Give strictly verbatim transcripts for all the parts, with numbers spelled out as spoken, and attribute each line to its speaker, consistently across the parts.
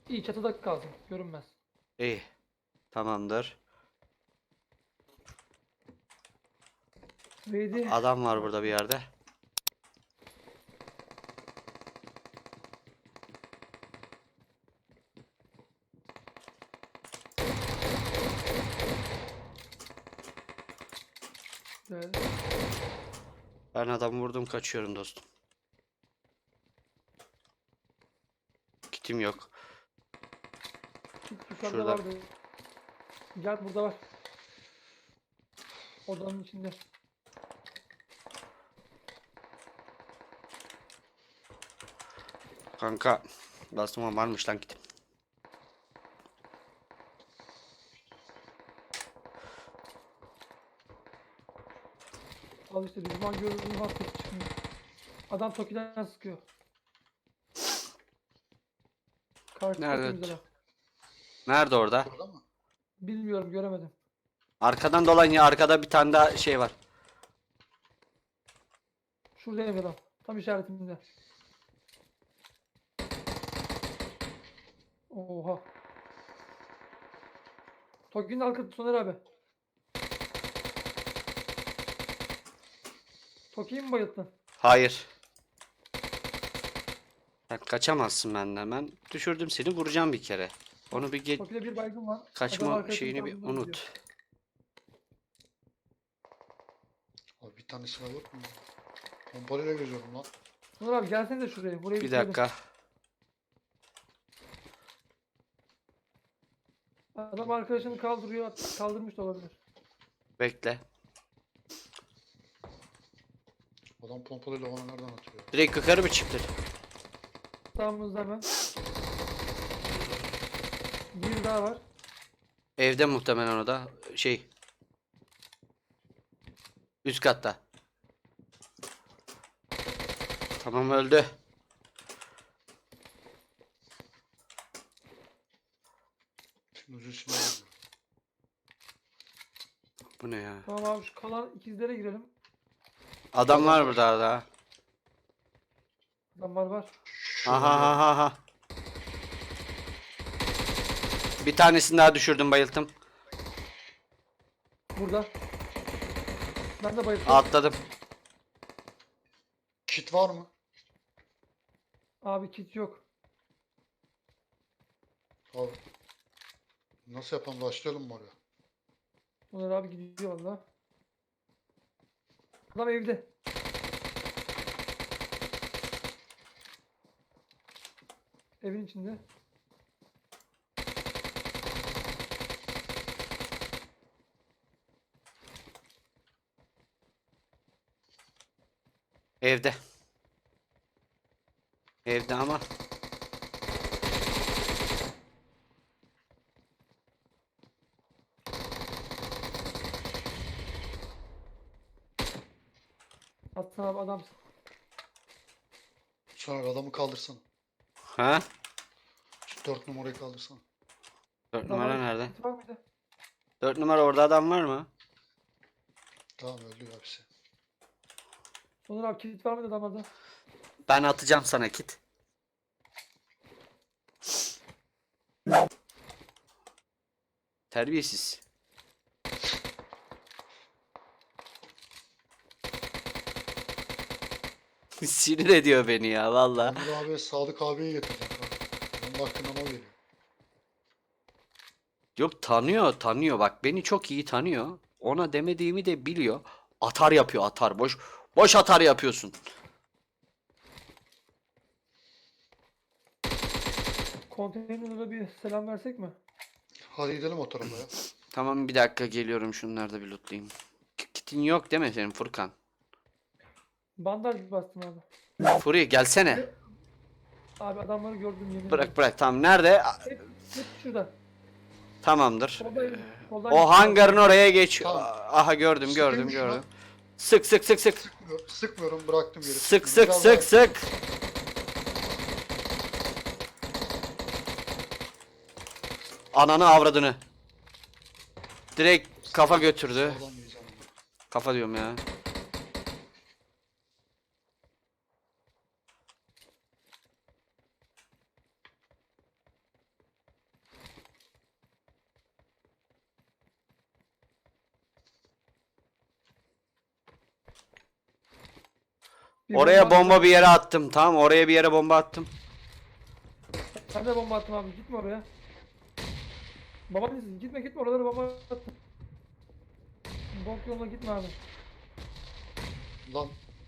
Speaker 1: İyi çatıda kalsın. Görünmez.
Speaker 2: İyi. Tamamdır.
Speaker 1: Neydi?
Speaker 2: Adam var burada bir yerde.
Speaker 1: Güzel.
Speaker 2: Ben adamı vurdum, kaçıyorum dostum. Kitim yok.
Speaker 1: Yukarıda
Speaker 2: Şurada.
Speaker 1: vardı. Gel burada var. Odanın içinde.
Speaker 2: Kanka. Bastım varmış lan kitim.
Speaker 1: Al işte düşman gördüğün hat ses çıkmıyor. Adam Toki'den sıkıyor. Karşı
Speaker 2: Nerede?
Speaker 1: Toki'mizde bak.
Speaker 2: Nerede orada?
Speaker 3: Burada mı?
Speaker 1: Bilmiyorum göremedim.
Speaker 2: Arkadan dolan ya, arkada bir tane daha şey var.
Speaker 1: Şuradayım adam. Tam işaretimde. Oha. Toki'nin arkası Soner abi. Toki'yi mi bayılttın?
Speaker 2: Hayır. Sen kaçamazsın benden. Ben düşürdüm seni, vuracağım bir kere. Onu bir ge-
Speaker 1: Toki'de bir baygın var. Adam
Speaker 2: kaçma
Speaker 1: arkasını
Speaker 2: şeyini bir
Speaker 1: kaldırdı gidiyor.
Speaker 2: unut.
Speaker 3: Abi bir tane silah yok mu? Pompalıyla geziyorum lan.
Speaker 1: Soner abi gelsene de şuraya. Burayı
Speaker 2: Bir
Speaker 1: bitirelim.
Speaker 2: dakika.
Speaker 1: Adam arkadaşını kaldırıyor. Kaldırmış da olabilir.
Speaker 2: Bekle.
Speaker 3: Adam pompalıyla bana nereden atıyor?
Speaker 2: Direkt yukarı mı çıktın?
Speaker 1: Sağımızda hemen. Bir daha var.
Speaker 2: Evde muhtemelen o da. Şey. Üst katta. Tamam, öldü.
Speaker 3: Şimdi ucu silah geziyor.
Speaker 2: Bu ne ya?
Speaker 1: Tamam abi şu kalan ikizlere girelim.
Speaker 2: Adam var burada daha.
Speaker 1: Adam var var.
Speaker 2: Aha aha aha. Bir tanesini daha düşürdüm, bayılttım.
Speaker 1: Burada. Ben de bayıldım.
Speaker 2: Atladım.
Speaker 3: Kit var mı?
Speaker 1: Abi kit yok.
Speaker 3: Abi. Nasıl yapalım? Başlayalım mı oraya?
Speaker 1: Soner abi gidiyor valla. Adam evde. Evin içinde.
Speaker 2: Evde. Evde ama.
Speaker 1: Atsana abi adamsın.
Speaker 3: Sonra adamı kaldırsana.
Speaker 2: Ha?
Speaker 3: Şu dört numarayı kaldırsana.
Speaker 2: Dört
Speaker 1: Adam
Speaker 2: numara
Speaker 1: var-
Speaker 2: nerede?
Speaker 1: kit var mıydı?
Speaker 2: Dört numara, orada adam var mı?
Speaker 3: Tamam öldü hepsi.
Speaker 1: Soner abi kit var mıydı adamlarda?
Speaker 2: Ben atacağım sana kit. Terbiyesiz. Sinir ediyor beni ya valla.
Speaker 3: Onur abiye Sadık abiye getireceğim. Kanka. Onun hakkında o geliyor.
Speaker 2: Yok, tanıyor tanıyor, bak beni çok iyi tanıyor. Ona demediğimi de biliyor. Atar yapıyor, atar. Boş boş atar yapıyorsun.
Speaker 1: Konteynerlara bir selam versek mi?
Speaker 3: Hadi gidelim o tarafa ya.
Speaker 2: Tamam, bir dakika geliyorum, şunları da bir lootlayayım. K- Kitin yok değil mi senin Furkan?
Speaker 1: Bandaj bastım abi.
Speaker 2: Furi gelsene.
Speaker 1: Abi adamları gördüm yemin
Speaker 2: Bırak
Speaker 1: ederim.
Speaker 2: bırak, tamam, nerede?
Speaker 1: Hep, hep şurada.
Speaker 2: Tamdır.
Speaker 1: Solda, soldan
Speaker 2: O
Speaker 1: gidiyor.
Speaker 2: hangarın oraya geç.
Speaker 3: Tamam.
Speaker 2: Aha, gördüm gördüm
Speaker 3: Sıkayım şuna.
Speaker 2: gördüm. Sık sık sık sık.
Speaker 3: Sıkmıyorum, sıkmıyorum bıraktım geri.
Speaker 2: Sık sık
Speaker 3: Biraz
Speaker 2: sık
Speaker 3: daha-
Speaker 2: sık. Ananı avradını. Direkt kafa götürdü.
Speaker 3: Sağlam yiyeceğim onu.
Speaker 2: Kafa diyorum ya.
Speaker 1: Bir
Speaker 2: Oraya
Speaker 1: bomba
Speaker 2: bomba
Speaker 1: attım.
Speaker 2: bir yere attım. Tamam, oraya bir yere bomba attım.
Speaker 1: Ben de bomba attım abi. Gitme oraya. Babaannesi gitme gitme oralara bomba attım. Bok yoluna gitme abi.
Speaker 3: Lan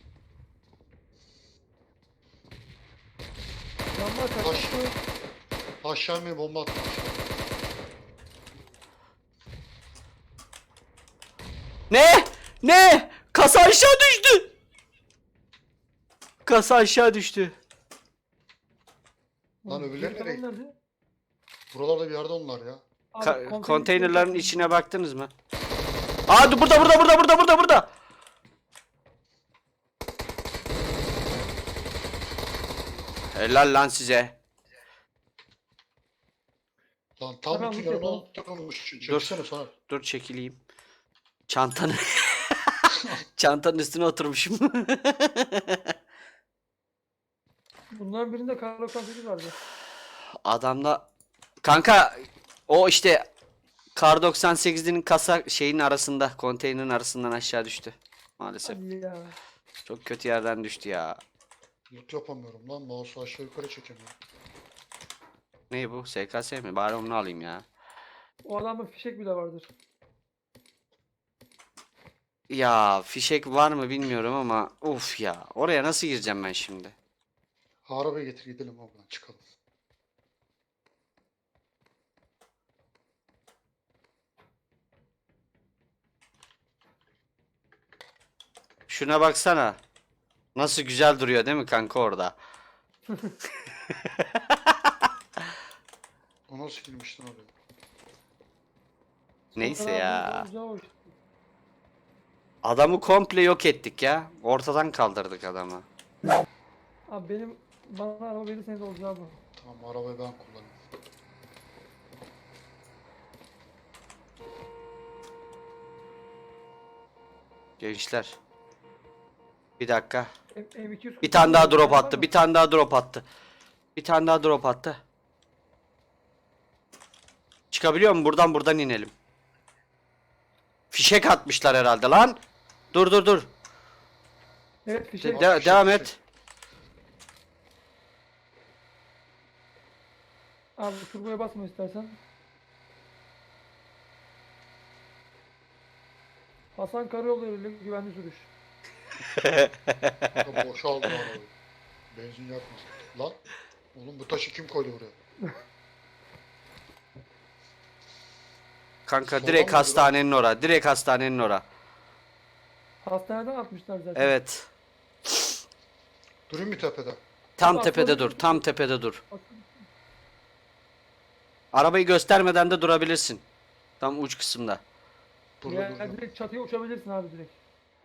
Speaker 1: Bomba
Speaker 3: Taş.
Speaker 1: kaçtı.
Speaker 3: aşağı mı bomba attım.
Speaker 2: Ne? Ne? Kasa aşağı düştü. Kasa aşağı düştü.
Speaker 3: Lan öbürleri
Speaker 1: Geri
Speaker 3: nereye
Speaker 1: kalan
Speaker 3: gitti?
Speaker 1: nerede?
Speaker 3: Buralarda bir yerde onlar ya.
Speaker 1: Abi,
Speaker 2: Ka-
Speaker 1: konteyner
Speaker 2: konteynerların
Speaker 1: içine-
Speaker 2: içine baktınız mı? Aa, dur, burada burada burada burada burada burada. Helal lan size.
Speaker 3: Lan tam
Speaker 1: Hemen
Speaker 3: bütün
Speaker 1: loot
Speaker 3: yanına
Speaker 1: yapalım.
Speaker 3: oturmuş. Çeksene sana.
Speaker 2: Dur çekileyim. Çantanı çantanın üstüne oturmuşum.
Speaker 1: Bunların birinde kar doksan sekiz vardı.
Speaker 2: Adamla kanka, o işte Kar doksan sekizinin kasa şeyin arasında, konteynerin arasından aşağı düştü. Maalesef.
Speaker 1: Hadi ya.
Speaker 2: Çok kötü yerden düştü ya.
Speaker 3: Loot yapamıyorum lan. Mouse'u aşağı yukarı çekemiyorum.
Speaker 2: Ne bu? S K S mi? Bari onu alayım ya.
Speaker 1: O adamda fişek bile vardır.
Speaker 2: Ya fişek var mı bilmiyorum ama uf ya. Oraya nasıl gireceğim ben şimdi?
Speaker 3: Arabayı getir gidelim oradan çıkalım.
Speaker 2: Şuna baksana. Nasıl güzel duruyor değil mi kanka orada?
Speaker 3: O nasıl girmiştin oraya?
Speaker 2: Neyse
Speaker 1: Sonra
Speaker 2: ya.
Speaker 1: abi, olacağı o işte.
Speaker 2: Adamı komple yok ettik ya. Ortadan kaldırdık adamı.
Speaker 1: Abi benim bana araba verirseniz olacağı bu.
Speaker 3: Tamam arabayı ben kullanayım.
Speaker 2: Gençler. Bir dakika.
Speaker 1: M- M240
Speaker 2: Bir tane daha drop
Speaker 1: var
Speaker 2: attı.
Speaker 1: mı?
Speaker 2: Bir tane daha drop attı. Bir tane daha drop attı. Çıkabiliyor mu? Buradan buradan inelim. Fişek atmışlar herhalde lan. Dur dur dur.
Speaker 1: Evet
Speaker 2: De-
Speaker 1: fişek.
Speaker 2: de-
Speaker 3: fişek,
Speaker 2: devam
Speaker 3: fişek.
Speaker 2: et.
Speaker 1: Abi turboya basma istersen. Hasan Karayolu ile güvenli sürüş.
Speaker 3: Ya boşaldım arabayı. Benzin yakmasın. Lan. Oğlum bu taşı kim koydu buraya?
Speaker 2: Kanka
Speaker 3: Sola
Speaker 2: direkt
Speaker 3: mı
Speaker 2: hastanenin ora. Direkt hastanenin ora.
Speaker 1: Hastaneden atmışlar zaten.
Speaker 2: Evet.
Speaker 3: Durayım bir tepede.
Speaker 2: Tam
Speaker 1: Bak,
Speaker 2: tepede
Speaker 1: böyle-
Speaker 2: dur. Tam tepede dur.
Speaker 1: Bak,
Speaker 2: Arabayı göstermeden de durabilirsin. Tam uç kısımda.
Speaker 3: Burada
Speaker 1: ya,
Speaker 3: duracağım.
Speaker 1: direkt çatıya uçabilirsin abi direkt.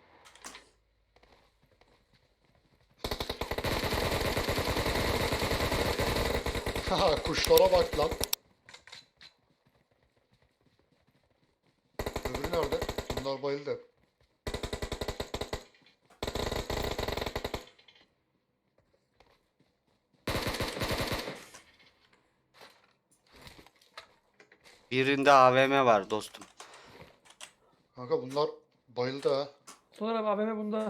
Speaker 3: Haha kuşlara bak lan. Öbürü nerede? Bunlar bayıldı hep.
Speaker 2: Birinde A V M var dostum.
Speaker 3: Kanka bunlar bayıldı ha.
Speaker 1: Sonra abi A V M bunda.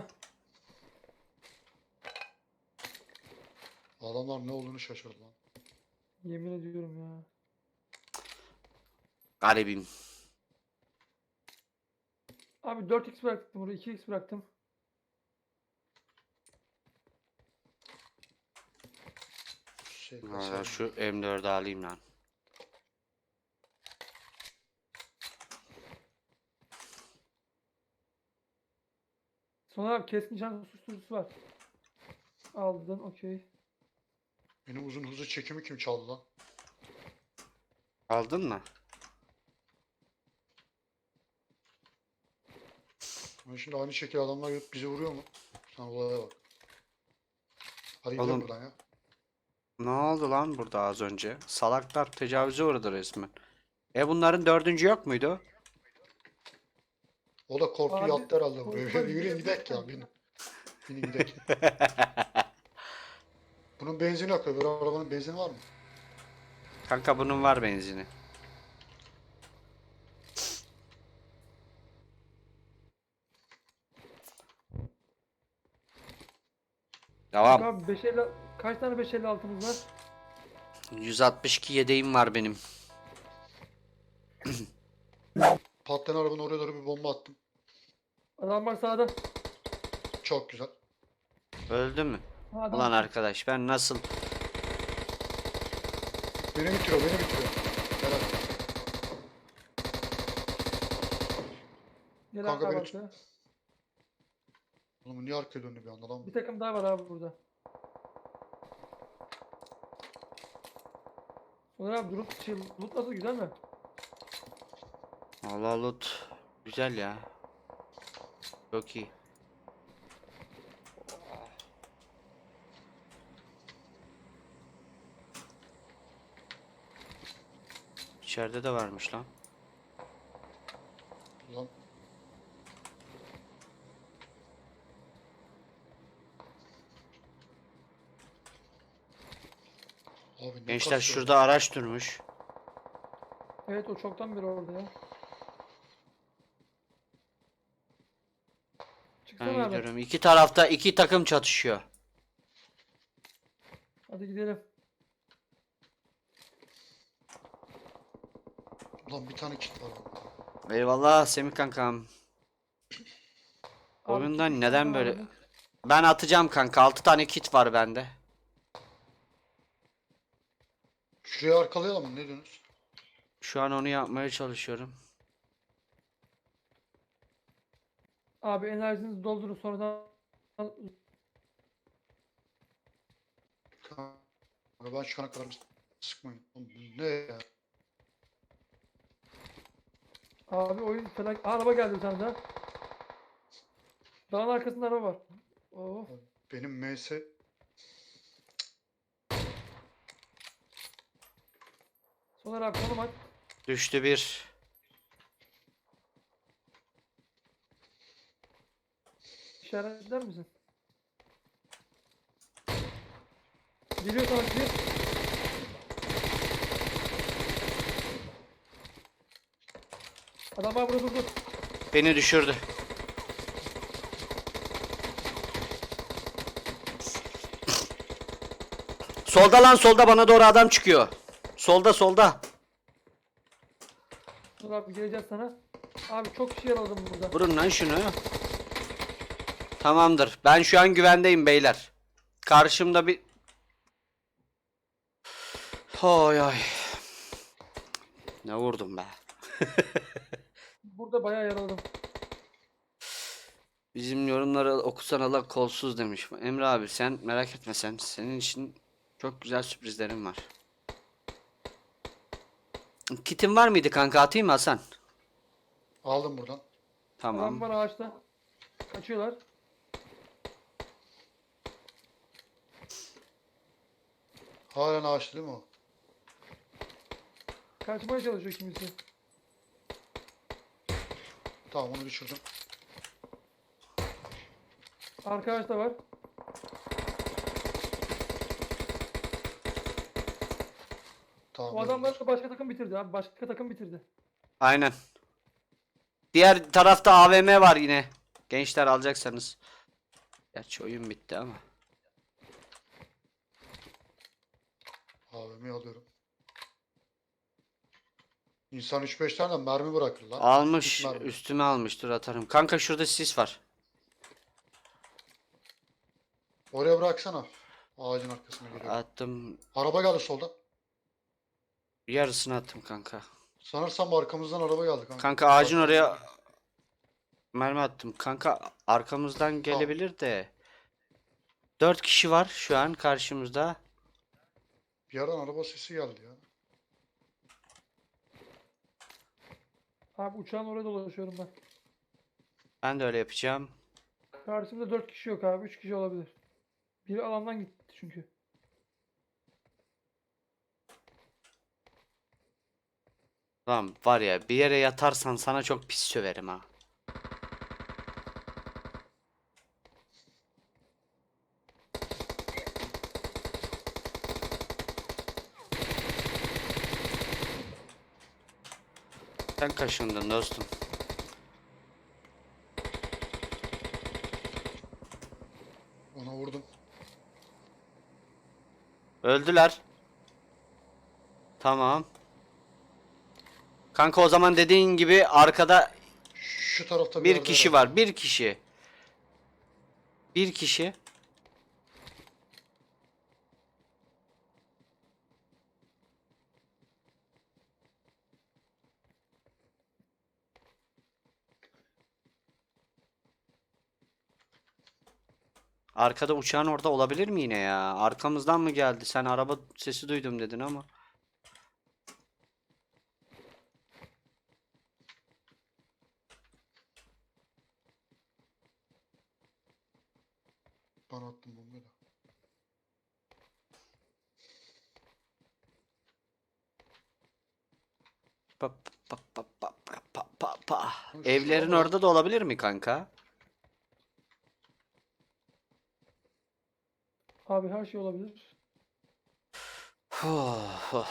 Speaker 3: Adamlar ne olduğunu şaşırdı lan.
Speaker 1: Yemin ediyorum ya.
Speaker 2: Garibim.
Speaker 1: Abi dört x bıraktım buraya iki x bıraktım.
Speaker 3: Şey,
Speaker 2: Hala
Speaker 3: kasayı-
Speaker 2: şu M dördü alayım lan.
Speaker 1: Sonra abi keskin nişan susturucusu var. Aldın okey.
Speaker 3: Benim uzun hızlı çekimi kim çaldı lan?
Speaker 2: Aldın mı?
Speaker 3: Ama şimdi aynı şekilde adamlar gelip bizi vuruyor mu? Sen olaya bak. Hadi gidelim
Speaker 2: Oğlum.
Speaker 3: buradan ya.
Speaker 2: Ne oldu lan burada az önce? Salaklar tecavüze uğradı resmen. E bunların dördüncü yok muydu?
Speaker 3: O da korktu
Speaker 1: Abi,
Speaker 3: yattı herhalde buraya.
Speaker 1: korkma,
Speaker 3: Yürüyün
Speaker 1: gidelim.
Speaker 3: gidelim ya binin. Binin gidelim. Bunun benzini yok. Öbür arabanın benzini var mı?
Speaker 2: Kanka bunun var benzini. Devam.
Speaker 1: Abi beş elli kaç tane beş elli altımız var?
Speaker 2: yüz altmış iki yedeğim var benim.
Speaker 3: Patlayan arabanın oraya doğru bir bomba attım.
Speaker 1: Adam var sağda.
Speaker 3: Çok güzel.
Speaker 2: Öldü mü?
Speaker 1: Ha, adam.
Speaker 2: Ulan arkadaş ben nasıl...
Speaker 3: Beni bitiriyor, beni bitiriyor. Helal.
Speaker 1: Gel
Speaker 3: Kanka
Speaker 1: abi
Speaker 3: beni
Speaker 1: arkaya.
Speaker 3: Oğlum niye arkaya döndü bir anda lan?
Speaker 1: Bir takım daha var abi burada. Soner abi durup şey, loot nasıl, güzel mi?
Speaker 2: Allah loot. Güzel ya. Çok iyi. İçeride de varmış lan.
Speaker 3: Lan. Abi ne
Speaker 2: Gençler
Speaker 3: kasıyor
Speaker 2: şurada
Speaker 3: lan?
Speaker 2: araç durmuş.
Speaker 1: Evet, o çoktan beri orada ya. Çıksana
Speaker 2: Ben
Speaker 1: abi.
Speaker 2: gidiyorum. İki tarafta iki takım çatışıyor.
Speaker 1: Hadi gidelim.
Speaker 3: Ulan bir tane kit var. Abi.
Speaker 2: Eyvallah Semih kankam.
Speaker 1: Abi,
Speaker 2: Oyundan
Speaker 1: kit
Speaker 2: neden
Speaker 1: istersen
Speaker 2: böyle...
Speaker 1: abi.
Speaker 2: Ben atacağım kanka. Altı tane kit var bende.
Speaker 3: Şuraya arkalayalım mı? Ne diyorsunuz?
Speaker 2: Şu an onu yapmaya çalışıyorum.
Speaker 1: Abi enerjinizi doldurun, sonradan
Speaker 3: Kanka ben şu ana kadar sıkmayın. Oğlum bu ne ya?
Speaker 1: abi oyun felak. Aa, araba geldi bir tane daha. Dağın arkasında araba var. Oh.
Speaker 3: Benim M S
Speaker 1: Soner abi konum at.
Speaker 2: Düştü bir.
Speaker 1: İşaretler misin? Geliyor sana bir. Adam var burada, durdu.
Speaker 2: Beni düşürdü. Solda lan, solda bana doğru adam çıkıyor. Solda solda.
Speaker 1: Dur abi, geleceğiz sana. Abi çok kişi yaraladım burada.
Speaker 2: Vurun lan şunu. Tamamdır. Ben şu an güvendeyim beyler. Karşımda bir... Oy oy. Ne vurdum be.
Speaker 1: Burada bayağı yaraladım.
Speaker 2: Bizim yorumları okusan Allah kolsuz demiş. Emre abi sen merak etme sen. Senin için çok güzel sürprizlerim var. Kitin var mıydı kanka, atayım mı Hasan?
Speaker 3: aldım buradan.
Speaker 1: Adam
Speaker 2: Tamam.
Speaker 1: var ağaçta. Kaçıyorlar.
Speaker 3: Halen ağaçlı değil mi o?
Speaker 1: Kaçmaya çalışıyor kimisi.
Speaker 3: Tamam onu düşürdüm.
Speaker 1: Arka ağaçta var.
Speaker 3: Tamam.
Speaker 1: O adamlar da başka takım bitirdi abi. Başka takım bitirdi.
Speaker 2: Aynen. Diğer tarafta A V M var yine. Gençler alacaksanız. Gerçi oyun bitti ama.
Speaker 3: A V M'yi alıyorum. İnsan üç beş tane mermi bırakır lan.
Speaker 2: Almış.
Speaker 3: Üç mermi.
Speaker 2: Üstüme almış. Dur atarım. Kanka şurada sis var.
Speaker 3: Oraya bıraksana. Ağacın arkasına geliyor.
Speaker 2: Attım.
Speaker 3: Araba geldi soldan.
Speaker 2: Yarısını attım kanka.
Speaker 3: Sanırsam arkamızdan araba geldi kanka.
Speaker 2: Kanka ağacın oraya mermi attım. Kanka arkamızdan gelebilir de. Dört kişi var şu an karşımızda.
Speaker 3: Bir yerden araba sesi geldi ya.
Speaker 1: Abi uçağın oraya dolaşıyorum ben.
Speaker 2: Ben de öyle yapacağım.
Speaker 1: Karşımda dört kişi yok abi. Üç kişi olabilir. Biri alandan gitti çünkü.
Speaker 2: Lan var ya, bir yere yatarsan sana çok pis söverim ha. Sen kaşındın dostum.
Speaker 3: Ona vurdum.
Speaker 2: Öldüler. Tamam. Kanka o zaman dediğin gibi arkada
Speaker 3: Şu tarafta bir
Speaker 2: bir
Speaker 3: yerde
Speaker 2: kişi
Speaker 3: herhalde.
Speaker 2: var. Bir kişi. Bir kişi. Arkada uçağın orada olabilir mi yine ya? Arkamızdan mı geldi? Sen araba sesi duydum dedin ama.
Speaker 3: Ben attım bombayı da.
Speaker 2: Pa, pa, pa, pa, pa, pa, pa, pa.
Speaker 3: Lan şura
Speaker 2: Evlerin
Speaker 3: mı lan?
Speaker 2: orada da olabilir mi kanka?
Speaker 1: Abi her şey olabilir.
Speaker 2: Huh, huh.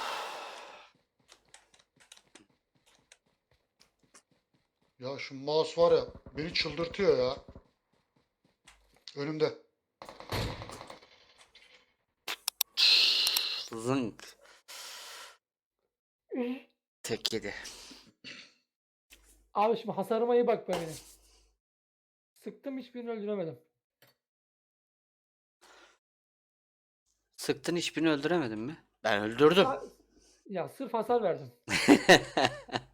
Speaker 3: Ya şu mouse var ya beni çıldırtıyor ya. Önümde.
Speaker 2: Zınk. Tek yedi.
Speaker 1: Abi şimdi hasarıma iyi bak benim. Sıktım, hiçbirini öldüremedim.
Speaker 2: Sıktın, hiçbirini öldüremedin mi? Ben öldürdüm.
Speaker 1: Ya, ya sırf hasar verdim.